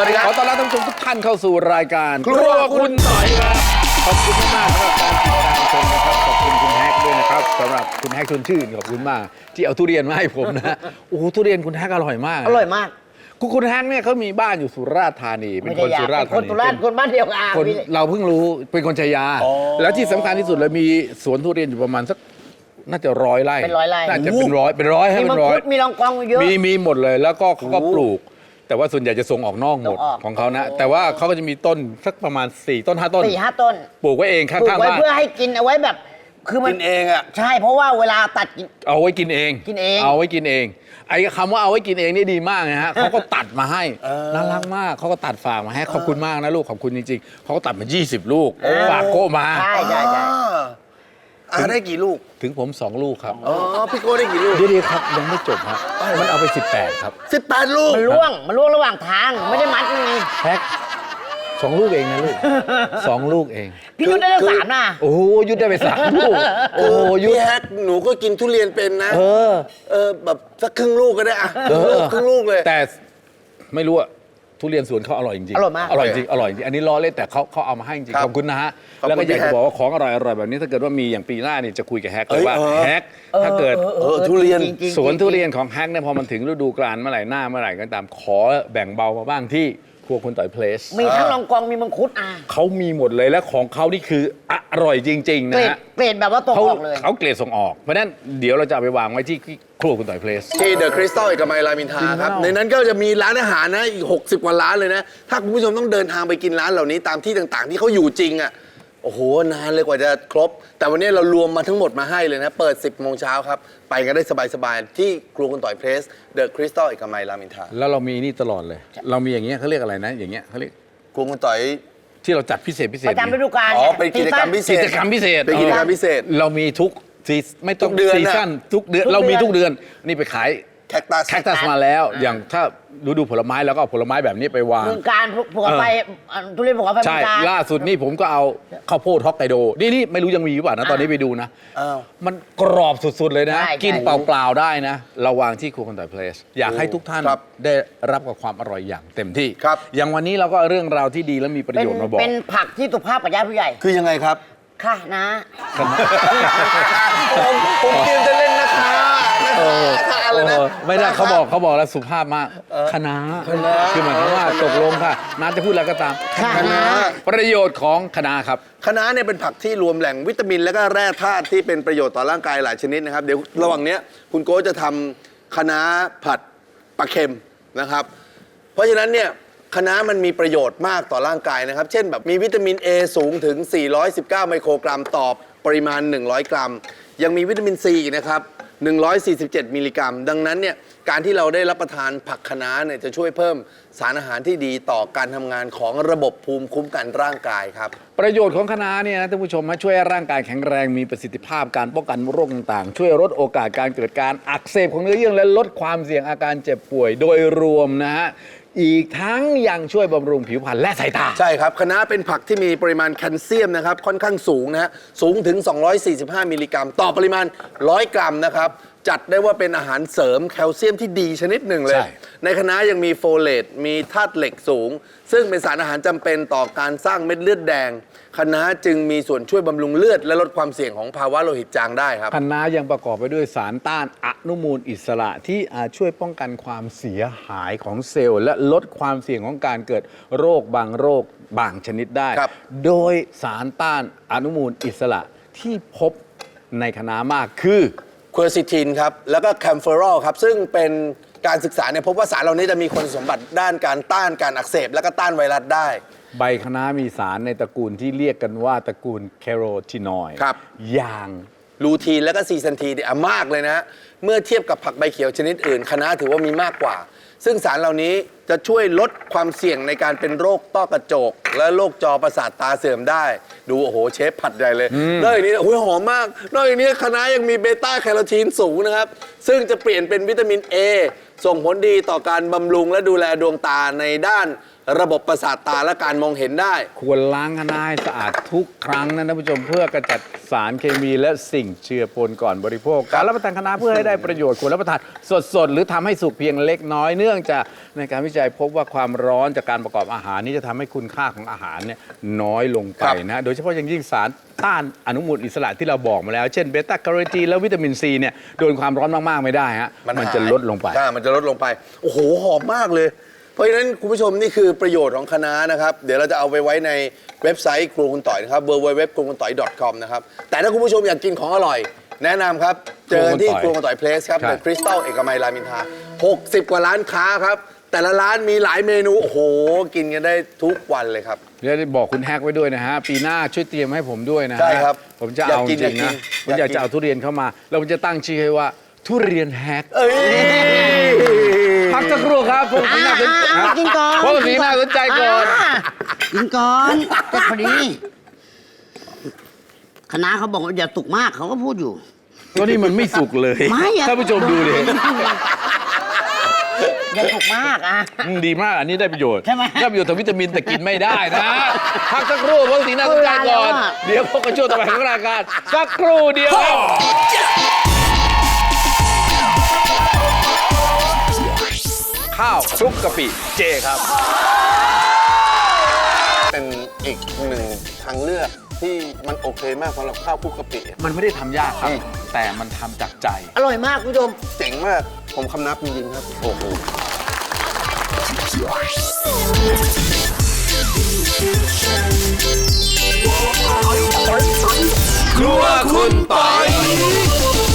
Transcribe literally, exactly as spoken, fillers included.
วัสดีครับขอต้อนรับท่านผู้ชมทุกท่านเข้าสู่รายการครัวคุณต่อยครับขอบคุณมากสำหรับการติดตามชมนะครับขอบคุณคุณแฮกด้วยนะครับสำหรับคุณแฮกชวนชื่นขอบคุณมากที่เอาทุเรียนมาให้ผมนะโอ้โหทุเรียนคุณแฮกอร่อยมากอร่อยมากคุณคุณแฮกเนี่ยเขามีบ้านอยู่สุราษฎร์ธานีเป็นคนสุราษฎร์ธานีคนสุราษฎร์คนบ้านเดียวกันคนเราเพิ่งรู้เป็นคนชัยยาแล้วที่สำคัญที่สุดเลยมีสวนทุเรียนอยู่ประมาณสักน่าจะร้อยไร่เป็นร้อยไร่น่าจะเป็นร้อยเป็นร้อยให้เป็นร้อยมีลองกองเยอะมีมีหมดเลยแล้วก็เขาก็ปลูกแต่ว่าส่วนใหญ่จะส่งออกนอกหมดของเขานะแต่ว่าเขาก็จะมีต้นสักประมาณสี่ต้นห้าต้นสี่ห้าต้นปลูกไว้เองข้างๆบ้านปลูกไว้เพื่อให้กินเอาไว้แบบคือมันกินเองอ่ะใช่เพราะว่าเวลาตัดกินเอาไว้กินเองกินเองเอาไว้กินเองไอ้คำว่าเอาไว้กินเองนี่ดีมากนะฮะเขาก็ตัดมาให้น่ารักมากเขาก็ตัดฝากมาให้ขอบคุณมากนะลูกขอบคุณจริงๆเขาก็ตัดมายี่สิบลูกฝากโก้มาใช่ใช่ใช่อ่าได้กี่ลูกถึงผมสองลูกครับอ๋อพี่โก้ได้กี่ลูกดีๆครับยังไม่จบครับมันเอาไปสิบแปดครับสิบแปดลูกมันล่วงมันล่วงระหว่างทางไม่ได้มัดไงแพ็คสองลูกเองนะลูกสองลูกเองพี่ยุทธได้ตั้งสามนะโอ้ยุทธได้ไปสามลูกโอ้ยุทธพี่แฮกหนูก็กินทุเรียนเป็นนะเออเออแบบสักครึ่งลูกก็ได้อะครึ่งลูกเลยแต่ไม่รู้อะทุเรียนสวนเขาอร่อยจริงๆอร่อยมากอร่อยจริงอร่อยจริงอันนี้ล้อเล่นแต่เขาเขาเอามาให้จริงขอบคุณนะฮะแล้วก็อยากจะบอกว่าของอร่อยอร่อยแบบนี้ถ้าเกิดว่ามีอย่างปีหน้าเนี่ยจะคุยกับแฮกเลยว่าแฮกถ้าเกิดทุเรียนสวนทุเรียนของแฮกเนี่ยพอมันถึงฤดูกาลเมื่อไหร่หน้าเมื่อไหร่ก็ตามขอแบ่งเบามาบ้างที่ครัวคุณต่อยเพลสมีทั้งลองกองมีมังคุดอ่ะเขามีหมดเลยและของเขานี่คืออร่อยจริงๆนะฮะเกรดแบบว่าตกออกเลยเขาเกรดส่งออกเพราะฉะนั้นเดี๋ยวเราจะไปวางไว้ที่ครัวคุณต่อยเพลสที่เดอะคริสตัลเอกมัยรามอินทราครับในนั้นก็จะมีร้านอาหารนะอีกหกสิบกว่าร้านเลยนะถ้าคุณผู้ชมต้องเดินทางไปกินร้านเหล่านี้ตามที่ต่างๆที่เขาอยู่จริงอ่ะโอ้โหนานเลยกว่าจะครบแต่วันนี้เรารวมมาทั้งหมดมาให้เลยนะเปิดสิบโมงเช้าครับไปกันได้สบายๆที่ครัวคุณต่อยเพลสเดอะคริสตัลเอกมัยรามอินทราแล้วเรามีนี่ตลอดเลยเรามีอย่างเงี้ยเขาเรียกอะไรนะอย่างเงี้ยเขาเรียกครัวคุณต่อยที่เราจัดพิเศษพิเศษประจำฤดูกาลอ๋อเป็นกิจกรรมพิเศษกิจกรรมพิเศษเป็นกิจกรรมพิเศษเรามีทุกซีไม่ต้องซีซั่นทุกเดือนเรามีทุกเดือนนี่ไปขายแคคตัสแคคตัสมาแล้วอย่างถ้าฤดูผลไม้แล้วก็เอาผลไม้แบบนี้ไปวางเมืองการภูเขาไฟทุเรียนภูเขาไฟใช่ล่าสุดนี่ผมก็เอาข้าวโพดฮอกไกโดนี่นี่ไม่รู้ยังมีหรือเปล่านะตอนนี้ไปดูนะมันกรอบสุดๆเลยนะกินเปล่าๆได้นะเราวางที่ครัวคุณต่อยเพลสอยากให้ทุกท่านได้รับกับความอร่อยอย่างเต็มที่อย่างวันนี้เราก็เรื่องราวที่ดีและมีประโยชน์มาบอกเป็นผักที่สุภาพกับญาติผู้ใหญ่คือยังไงครับค่ะนะผมผมเตรียมจะเล่นนะคะไม่ได้เขาบอกเขาบอกแล้วสุภาพมากคณะคือหมายความว่าตกลงค่ะน้าจะพูดอะไรก็ตามคณะประโยชน์ของคณะครับคะน้าเนี่ยเป็นผักที่รวมแหล่งวิตามินและก็แร่ธาตุที่เป็นประโยชน์ต่อร่างกายหลายชนิดนะครับเดี๋ยวระหว่างนี้คุณโก้จะทำคะน้าผัดปลาเค็มนะครับเพราะฉะนั้นเนี่ยคะน้ามันมีประโยชน์มากต่อร่างกายนะครับเช่นแบบมีวิตามิน A สูงถึงสี่ร้อยสิบเก้าไมโครกรัมต่อปริมาณหนึ่งร้อยกรัมยังมีวิตามินซีนะครับหนึ่งร้อยสี่สิบเจ็ดมิลลิกรัมดังนั้นเนี่ยการที่เราได้รับประทานผักคะน้าเนี่ยจะช่วยเพิ่มสารอาหารที่ดีต่อการทำงานของระบบภูมิคุ้มกันร่างกายครับประโยชน์ของคะน้าเนี่ยนะท่านผู้ชมมาช่วยร่างกายแข็งแรงมีประสิทธิภาพการป้องกันโรคต่างๆช่วยลดโอกาสการเกิดการอักเสบของเนื้อเยื่อและลดความเสี่ยงอาการเจ็บป่วยโดยรวมนะฮะอีกทั้งยังช่วยบำรุงผิวพรรณและสายตาใช่ครับคะน้าเป็นผักที่มีปริมาณแคลเซียมนะครับค่อนข้างสูงนะฮะสูงถึงสองร้อยสี่สิบห้ามิลลิกรัมต่อปริมาณหนึ่งร้อยกรัมนะครับจัดได้ว่าเป็นอาหารเสริมแคลเซียมที่ดีชนิดหนึ่งเลย ในคะน้ายังมีโฟเลตมีธาตุเหล็กสูงซึ่งเป็นสารอาหารจำเป็นต่อการสร้างเม็ดเลือดแดงคะน้าจึงมีส่วนช่วยบำรุงเลือดและลดความเสี่ยงของภาวะโลหิตจางได้ครับคะน้ายังประกอบไปด้วยสารต้านอนุมูลอิสระที่อาจช่วยป้องกันความเสียหายของเซลล์และลดความเสี่ยงของการเกิดโรคบางโรคบางชนิดได้โดยสารต้านอนุมูลอิสระที่พบในคะน้ามากคือควีร์ซิทินครับแล้วก็แคมเฟอรอลครับซึ่งเป็นการศึกษาเนี่ยพบว่าสารเหล่านี้จะมีคุณสมบัติด้านการต้านการอักเสบและก็ต้านไวรัสได้ใบคะน้ามีสารในตระกูลที่เรียกกันว่าตระกูลแคโรทีนอยด์อย่างลูทีนและก็ซีซันทีเนี่ยมากเลยนะเมื่อเทียบกับผักใบเขียวชนิดอื่นคะน้าถือว่ามีมากกว่าซึ่งสารเหล่านี้จะช่วยลดความเสี่ยงในการเป็นโรคต้อกระจกและโรคจอประสาทตาเสื่อมได้ดูโอ้โหเชฟผัดใหญ่เลยนอกจากนี้โอ้ยหอมมากนอกจากนี้คะน้ายังมีเบต้าแคโรทีนสูงนะครับซึ่งจะเปลี่ยนเป็นวิตามิน A ส่งผลดีต่อการบำรุงและดูแลดวงตาในด้านระบบประสาทตาและการมองเห็นได้ควรล้างคะน้าให้สะอาดทุกครั้งนะท่านผู้ชมเพื่อกระจัดสารเคมีและสิ่งเจือปนก่อนบริโภค การรับประทานคะน้าเพื่อให้ได้ประโยชน์ควรรับประทานสดๆ หรือทำให้สุกเพียงเล็กน้อยเนื่องจากในการวิจัยพบว่าความร้อนจากการประกอบอาหารนี้จะทำให้คุณค่าของอาหารเนี่ยน้อยลงไปนะโดยเฉพาะอย่างยิ่งสารต้านอนุมูลอิสระที่เราบอกมาแล้วเช่นเบต้าแคโรทีนและวิตามินซีเนี่ยโดนความร้อนมากๆไม่ได้ฮะมันจะลดลงไปใช่มันจะลดลงไป โอ้โห หอมมากเลย เพราะฉะนั้นคุณผู้ชมนี่คือประโยชน์ของคะน้านะครับ เดี๋ยวเราจะเอาไปไว้ในเว็บไซต์ครัวคุณต่อยนะครับ ดับเบิลยู ดับเบิลยู ดับเบิลยู ดอท ครัวคุณต่อย ดอท คอม นะครับ แต่ถ้าคุณผู้ชมอยากกินของอร่อย แนะนำครับ เจอที่ครัวคุณต่อยเพลสครับครับในคริสตัลเอกมัยรามอินทราหกสิบกว่าร้านค้าครับ แต่ละร้านมีหลายเมนู โอ้โห กินกันได้ทุกวันเลยครับเดี๋ยวบอกคุณแฮกไว้ด้วยนะฮะ ปีหน้าช่วยเตรียมให้ผมด้วยนะฮะใช่ครับผมจะอยากเอากิจนริงๆนะอยากกินผมอยากจะเอาทุเรียนเข้ามา แล้วผมจะตั้งชื่อให้ว่า ทุเรียนแฮกเอ้ยพักสักครู่ครับพวกสีน่าสนใจอ่ากินก่อนพวกสีน่าสนใจก่อนอ่ากินก่อนก็พอดีคณะเขาบอกว่าอย่าสุกมากเขาก็พูดอยู่ก็นี่มันไม่สุกเลยไม่อะท่านผู้ชมดูดิอย่าสุกมากอ่ะอืมดีมากอันนี้ได้ประโยชน์ใช่ไหมได้ประโยชน์ทางวิตามินแต่กินไม่ได้นะพักสักครู่พวกสีน่าสนใจก่อนเวลาแล้วอะเดี๋ยวพบกันช่วงต่อไปของรายการสักครู่เดียวครับ ข้าวคลุกกะปิเจครับเป็นอีกหนึ่งทางเลือกที่มันโอเคมากสำหรับข้าวคลุกกะปิมันไม่ได้ทำยากครับ แต่มันทำจากใจอร่อยมากคุณผู้ชมเจ๋งมาก ผมคำนับจริงๆครับ โอ้โหครัวคุณปอย